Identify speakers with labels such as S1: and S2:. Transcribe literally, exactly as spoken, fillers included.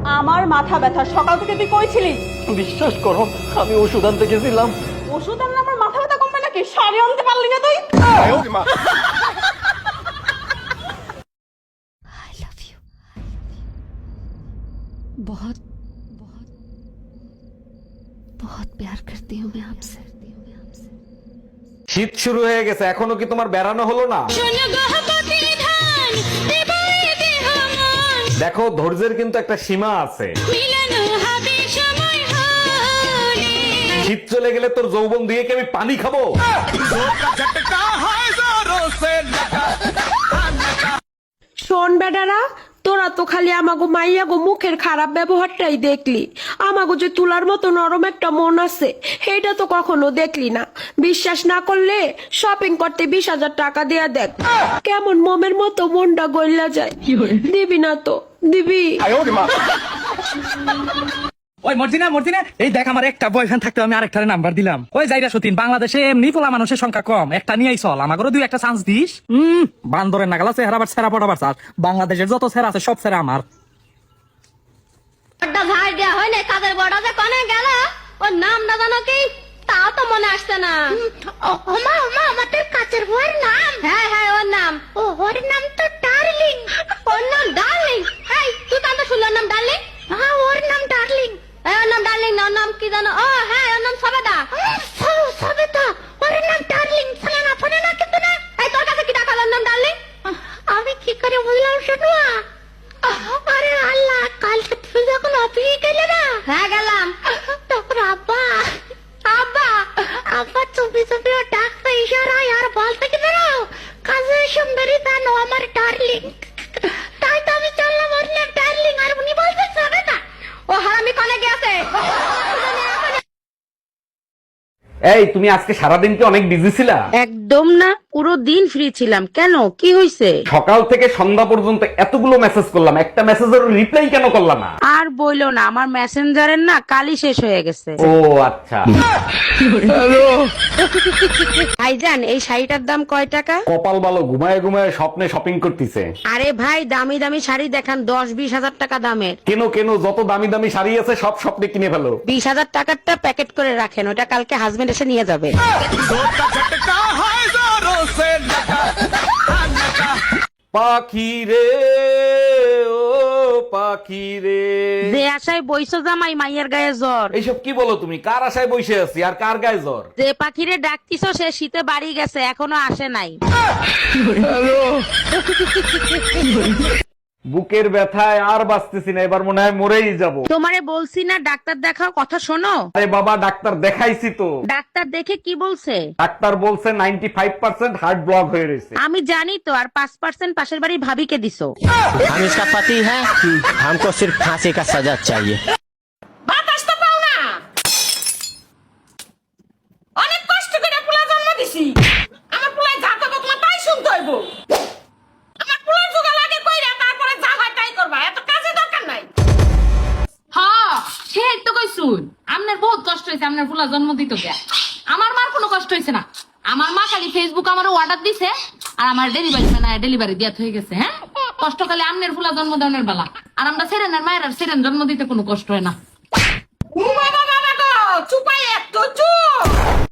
S1: আমার মাথা ব্যথা, সকাল থেকে তুই কই ছিলি?
S2: বিশ্বাস করো আমি ওষুধ আনতে গেছিলাম।
S1: ওষুধ আনলে আমার মাথা ব্যথা কমবে নাকি? শাড়ি আনতে পারলি না তুই?
S3: I love you. बहुत बहुत बहुत प्यार करती हूँ मैं आपसे।
S4: শীত শুরু হয়ে গেছে, এখনো কি তোমার বেড়ানো হলো না? দেখো ধৈর্যের কিন্তু একটা সীমা আছে। শীত চলে গেলে তোর যৌবন দিয়ে কি আমি পানি খাবো?
S5: শোন বেডারা, তোরা তো খালি আমাগো মাইয়া গো মুখের খারাপ ব্যবহারটাই দেখলি। আমাগো যে তুলার মতো নরম একটা মন আছে এটা তো কখনো দেখলি না। বিশ্বাস না করলে শপিং করতে বিশ হাজার টাকা দেয়া দেখ, কেমন মোমের মতো মনটা গইলা যায়। দিবি না তো দিবি?
S2: ওই মর্জিনা মর্জিনা, এই দেখ আমার একটা বয়ফ্রেন্ড থাকতে আমি আরেকটার নাম্বার দিলাম। ওই যাইরা সতীন, বাংলাদেশে এমনি পোলা মানুষের সংখ্যা কম, একটা নিয়েই চল, আমাকেও দুই একটা চান্স দিস। হম বান্দরের নাগালা চেহারা আবার সেরা পড়াবার চাস। বাংলাদেশের যত সেরা আছে সব সেরা আমার।
S6: ভাই দেয়া হয় না, কাদের বড় যে কনে গেল ওর নাম না জানো কি? তাও তো মনে আসছে না। ওমা ওমা, আমাদের কাছের বউয়ের নাম? হ্যাঁ হ্যাঁ ওর নাম। ও ওর নাম তো ডার্লিং। ওর নাম ডার্লিং? এই তুই কান্ত শুনল নাম ডার্লিং? হ্যাঁ ওর নাম ডার্লিং। এই ওর নাম ডার্লিং না, ওর নাম কি জানো? ও হ্যাঁ ওর নাম সবেদা। সবেদা? ওর নাম ডার্লিং শোনা না, ফোনে না কিন্তু না। এই তোর কাছে কি টাকা ওর নাম ডার্লিং? আমি কি করে বুঝলাম শুনুয়া? আরে আল্লাহ, কালকে তুমি যখন অফিসে গেলে না? হ্যাঁ গেলাম। তখন আব্বা আব্বা আব্বা চুপি চুপি ও ডাকতে ইশারায় আর বলতে কি বেরো, কাজে সুন্দরী জানো আমার ডার্লিং। তাই তো আমি চললাম ওর নাম ডার্লিং, আর উনি বলতে যাবে না। ও হারামি কনে গেছে?
S4: এই তুমি আজকে সারাদিন কি অনেক বিজি ছিলা?
S7: একদম না, পুরো দিন ফ্রি ছিলাম। কেন, কি হয়েছে?
S4: সকাল থেকে সন্ধ্যা পর্যন্ত এতগুলো মেসেজ করলাম, একটা মেসেজের রিপ্লাই কেন করলা না?
S7: আর বইলো না, আমার মেসেঞ্জারের না কালই শেষ হয়ে গেছে।
S4: ও আচ্ছা।
S7: ভাইজান এই শাড়িটার দাম কয় টাকা?
S4: কপাল ভালো, ঘুমায় ঘুমায় স্বপ্নে শপিং করতেছে।
S7: আরে ভাই দামি দামি শাড়ি দেখান, দশ বিশ হাজার টাকা দামের।
S4: কেন কেন, যত দামি দামি শাড়ি আছে সব স্বপ্নে কিনে ফেলো।
S7: বিশ হাজার টাকারটা প্যাকেট করে রাখেন, ওটা কালকে হাজবেন্ড এসে নিয়ে যাবে।
S4: পাখি রে ও পাখি রে,
S7: যে আশায় বইছো জামাই মাইয়ের গায়ে জ্বর।
S4: এইসব কি বলো তুমি? কার আশায় বসে আছি আর কার গায়ে জ্বর?
S7: যে পাখিরে ডাকতিছো সে শীতে বাড়ি গেছে, এখনো আসে নাই।
S4: বুকের ব্যথায় আর বাঁচতেছি না, এবার মনে হয় মরেই যাব।
S7: তোমারে বলছি না ডাক্তার দেখাও, কথা শোনো।
S4: আরে বাবা ডাক্তার দেখাইছি তো।
S7: ডাক্তার দেখে কি বলছে?
S4: ডাক্তার বলছে ninety five percent heart block হয়ে রয়েছে।
S7: আমি জানি তো, আর পাঁচ পার্সেন্ট পাশের বাড়ির ভাবিকে দিছো।
S8: हम इसका पति है, हमको सिर्फ फांसी का सजा चाहिए।
S1: বাতাস তো পাও না, অনেক কষ্ট করে পোলা জন্ম দিছি। আমার পোলায় যা করবো তোমার তাই শুনতে হইব। আমার পোলার জোগা লাগে কইরা, তারপরে যা হয় তাই করবা, এত কাজে দরকার নাই।
S9: হ্যাঁ সে তো কইছুন, আপনার বহুত কষ্ট হয়েছে আপনার ফুলা জন্ম দিত গিয়া। আমার মার কোনো কষ্ট হয়েছে না। আমার মা খালি ফেসবুক আমার অর্ডার দিছে আর আমার ডেলিভারি ম্যান ডেলিভারি দিয়া হয়ে গেছে। হ্যাঁ কষ্ট খালি আমনের ফুলা জন্ম দেওয়ার বেলা, আর আমরা সেরেনের মায়ের আর সেরেন জন্ম দিতে কোনো কষ্ট হয় না।
S1: ও বাবা বাবা গো, চুপাই একটু চুপ।